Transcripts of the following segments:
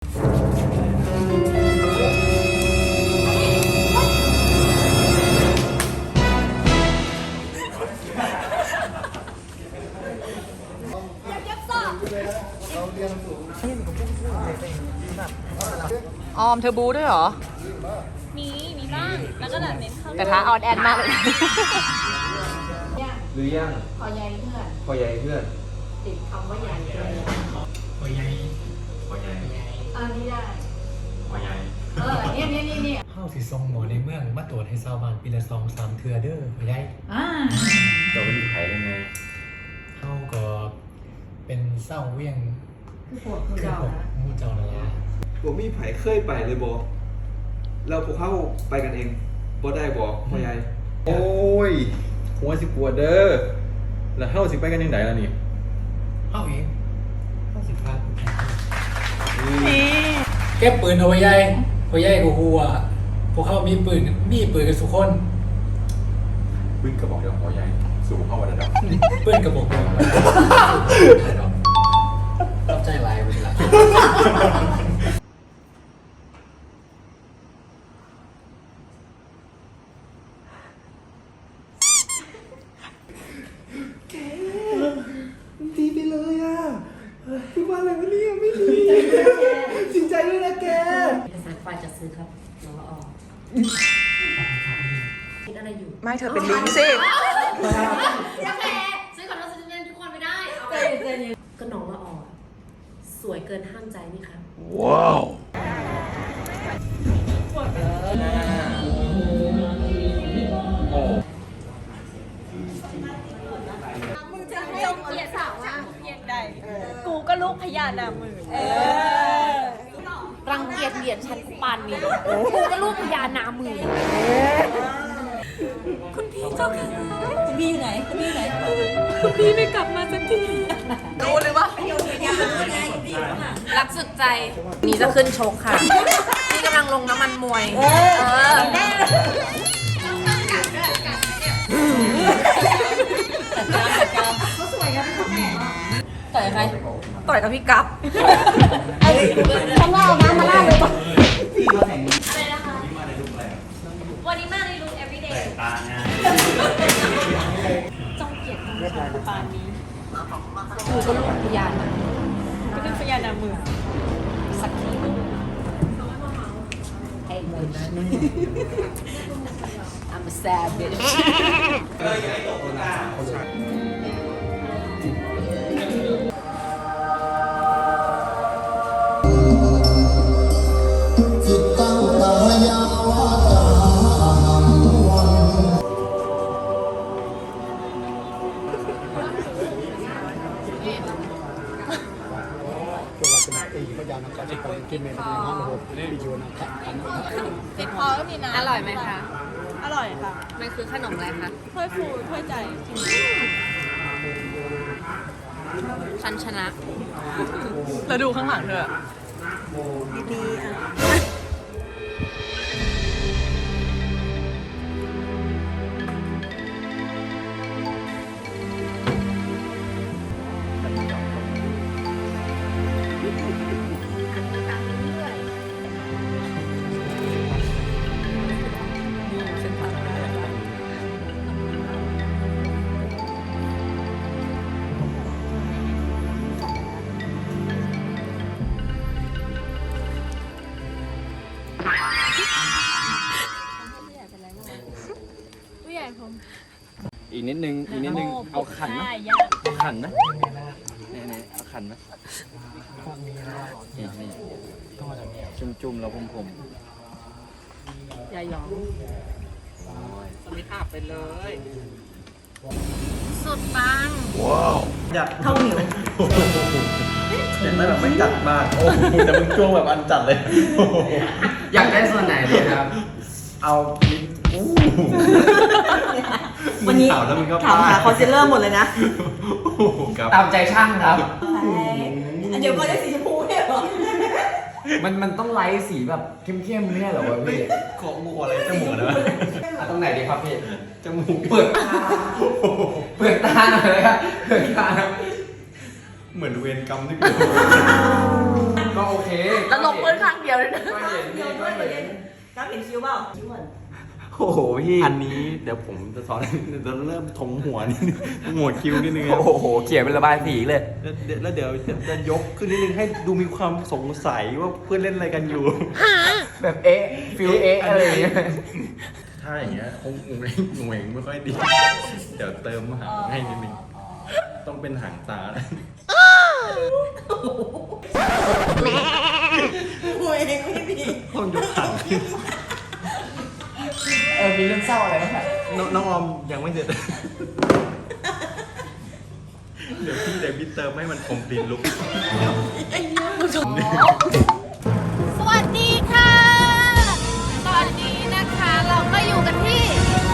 ออมเธอบูด้วยเหรอมีบ้างแล้วก็แบบเน้นเข้าแต่ท้าออนแอนมากเลยหรือยังพอใหญ่เพื่อนพอใหญ่เพื่อนติดคำว่าใหญ่เลยพอใหญ่พอใหญ่นี่ได้พอใหญ่เนี่ยเข้าสิทรงหมอในเมืองมาตรวจให้ชาวบ้านปีละ2-3 เทื่อเด้อพ่อใหญ่เราเป็นไผ่เลยนะเข้าก็เป็นเศร้าเวียงคือพวกเจ้านะมูเจ้านั่นแหละผมมีไผ่เคยไปเลยบอแล้วพวกเขาไปกันเองบ่ได้บอพ่อใหญ่โอ้ยหัวสิปวดเด้อแล้วเฮาสิไปกันยังไงล่ะนี่เข้าเองเข้าสิพาเก็บปืนเอาไว้ใหญ่พ่อใหญ่กูฮู้ว่าพวกเขามีปืนกันทุกคนปืนกระบอกเดียวพอใหญ่สู่เข้าวันระดับปืนกระบอกเดียวรับใจลายไปละดีไปเลยอ่ะคือว่าอะไรวะเนี่ยไม่ดีจริงใจด้วยนะแกเอกสารฝ่ายจัดซื้อครับน้องละออคิดอะไรอยู่ไม่เธอเป็นลิงสิยังแพ้ซื้อของเราซื้อเงินทุกคนไม่ได้ก็น้องละออสวยเกินห้ามใจนี่ครับว้าวมึงจะให้เกียรติสาวว่าเพียงใดกูก็ลูกพญานาคมือรังเกียจเหรียญฉันกูปานนี้กูก็ลูกพญานามือคุณพี่เจ้าค่ะคุณพี่อยู่ไหนคุณพี่อยู่ไหนคุณพี่ไม่กลับมาสักทีรู้หรือวะรักสุดใจนี่จะขึ้นชกค่ะนี่กำลังลงน้ำมันมวยเขาสวยกันทุกคนต่อยใครต่อยกับพี่กั๊บเขาเล่านะมาเล่าเลยป่ะอะไรนะคะวันนี้มาในลุค everyday จ้องเกียรติของฉันปานนี้กูก็ลูกพญานาก็เป็นพญานามือสักทีไอ้เมย์I'm a savage ติดคอก็มีนะอร่อยไหมคะอร่อยค่ะมันคือขนมอะไรคะถ้วยฟูถ้วยใจฉันชนะแล้วดูข้างหลังเธอดีๆอ่ะอีกนิดนึงเอาขันนะเอาขันนะนี่เอาขันนะนี่จุ่มๆแล้วผมอย่ายอมสมิธอาบไปเลยสุดปังว้าวอยากเท่าเหนียวอยากได้แบบไม่จัดมากโอ้แต่มึงจ้วงแบบอันจัดเลยอยากได้ส่วนไหนเลยครับเอาวันนี้ถามหาคอนซีลเลอร์หมดเลยนะตามใจช่างครับเดี๋ยวก็ได้สีชมพูเนี่ยหรอมันต้องไลท์สีแบบเข้มๆเนี่ยเหรอวะพี่ขอมูอะไรจมูกนะตรงไหนดีครับพี่จมูกเปิดตาหน่อยเลยครับเปิดตาเหมือนเวรกรรมที่เกิดก็ก็โอเคแล้วลงปืนครั้งเดียวเลยนะก็เห็นนี่ก็เห็นก้าวเห็นคิ้วเปล่าคิ้วเหมือนโอ้โหพี่อันนี้เดี๋ยวผมจะสอนจะเริ่มถมหัวนิดนึงหัวคิ้วนิดนึงครับโอ้โหเขียนเป็นระบายสีเลยแล้วเดี๋ยวจะยกขึ้นนิดนึงให้ดูมีความสงสัยว่าเพื่อนเล่นอะไรกันอยู่แบบเอ๊ะฟิลเอ๊ะอะไรอย่างเงี้ยถ้าอย่างเงี้ยคงงงงไม่ค่อยดี เดี๋ยวเติมหางให้นิดนึงต้องเป็นหางตาแล้วหัวเองไม่ดีต้องยกหางมีเรื่องเศร้าอะไรบ้างครับน้องออมยังไม่เสร็จ เดี๋ยวพี่เติมให้มันคอมพลีทลุกสวัสดีค่ะ ตอนนี้นะคะเราก็อยู่กันที่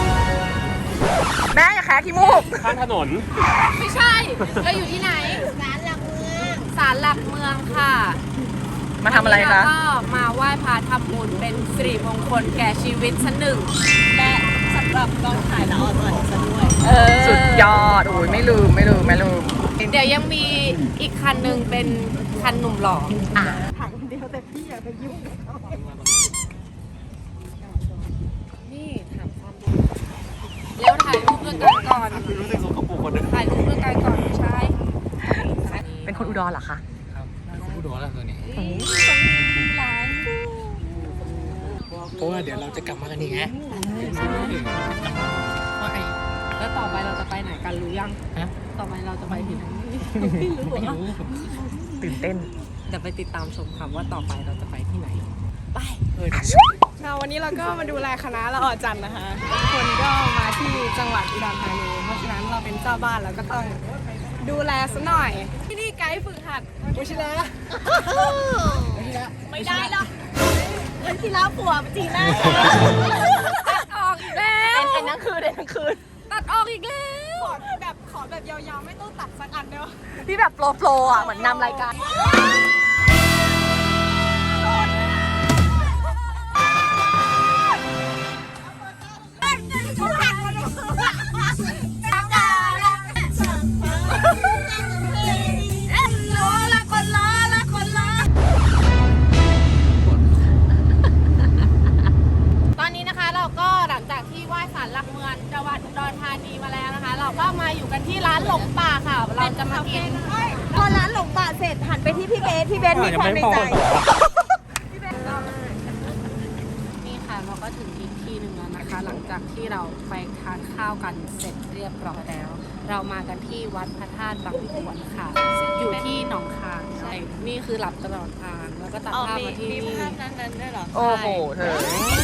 แม่อย่าแคะขี้มูกข้างถนนไม่ใช่ เราอยู่ที่ไหน ศาลหลักเมือง ศาลหลักเมืองค่ะมาทำอะไรคะวันนี้เราก็มาไหว้พระทำบุญเป็นสิริมงคลแก่ชีวิตชั้นหนึ่ง และสำหรับกองถ่ายละออนวันซะด้วยสุดยอด โอ้ยไม่ลืมเดี๋ยวยังมีอีกคันหนึ่งเป็นคันหนุ่มหล่อถ่ายคนเดียวแต่พี่อย่าไปยุ่งกับเขานี่ถามความรู้แล้วถ่ายรูปด้วยกันก่อนรู้สึกสกปรกคนนึงถ่ายรูปด้วยกันก่อนไม่ใช่เป็นคนอุดรเหรอคะผู้ดูแล้วตัวนี้ร้านเพราะว่าเดี๋ยวเราจะกลับมากันอีกฮะแล้วต่อไปเราจะไปไหนกันรู้ยังฮะต่อไปเราจะไปที่ไหนไม่รู้ตื่นเต้นเดี๋ยวไปติดตามชมค่ะว่าต่อไปเราจะไปที่ไหน ไปวันนี้เราก็มาดูแลคณะละออจันทร์นะคะทุกคนก็มาที่จังหวัดอุดรธานี เพราะฉะนั้นเราเป็นเจ้าบ้านเราก็ต้องดูแลซะหน่อย ที่นี่ไกด์ฝึกหัดวชิระไม่ได้หรอกวันที่แล้วผัวจีน่าตัดออกอีกแล้วไอ้นั่นคือตัดออกอีกแล้วขอแบบยาวๆไม่ต้องตัดสักอันเดียวพี่แบบโปรอ่ะ เหมือนนำรายการตอนนี้นะคะเราก็หลังจากที่ไหว้ศาลหลักเมืองจังหวัดอุดรธานีมาแล้วนะคะ เราก็มาอยู่กันที่ร้านหลงป่าค่ะ เราจะมากินพอร้านหลงป่าเสร็จหันไปที่พี่เบสมีความในใจนี่ค่ะเราก็ถึงอีกที่หนึ่งแล้วนะคะ หลังจากที่เราไปทานข้าวกันเสร็จเรียบร้อยแล้ว เรามากันที่วัดพระธาตุบางพวนค่ะ อยู่ที่หนองคายใช่นี่คือหลับตลอดทางแล้วก็ตัดภาพมาที่นี่นั้นด้วยเหรอโอ้โห เธอ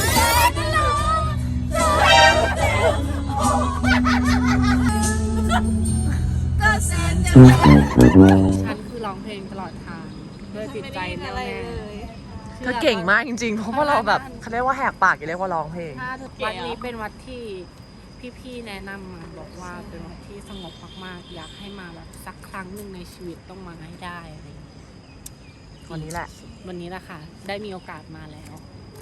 ฉันคือร้องเพลงตลอดทางด้วยจิตใจแน่วแน่เธอเก่งมากจริงๆ เพราะว่าเราแบบเขาเรียกว่าแหกปากอย่าเรียกว่าร้องเพลงถ้าวัดนี้เป็นวัดที่พี่ๆแนะนำมาบอกว่าเป็นวัดที่สงบมากๆ อยากให้มาแบบสักครั้งหนึ่งในชีวิตต้องมาให้ได้อะไรอย่างเงี้ยวันนี้แหละวันนี้แหละค่ะ ได้มีโอกาสมาแล้ว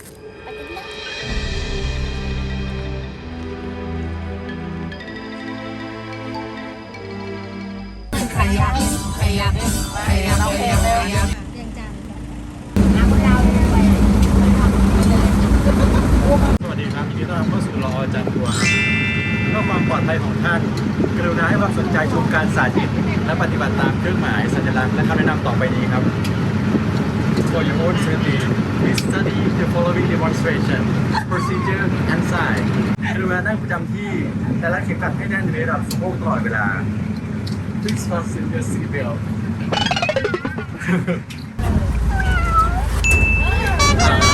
ใครอยากเราเพลงเลยสวัสดีครับยินดีต้อนรับเข้าสู่ละออจันทร์ทัวร์เพื่อความปลอดภัยของท่าน กรุณาให้ความสนใจชมการสาธิตและปฏิบัติตามเครื่องหมายสัญลักษณ์และคำแนะนำต่อไปนี้ครับ For your own safety, please study the following demonstration, procedure and sign. กรุณานั่งประจำที่และรัดเข็มขัดให้แน่นในระดับสะโพกตลอดเวลา Please fasten your seatbelt. เ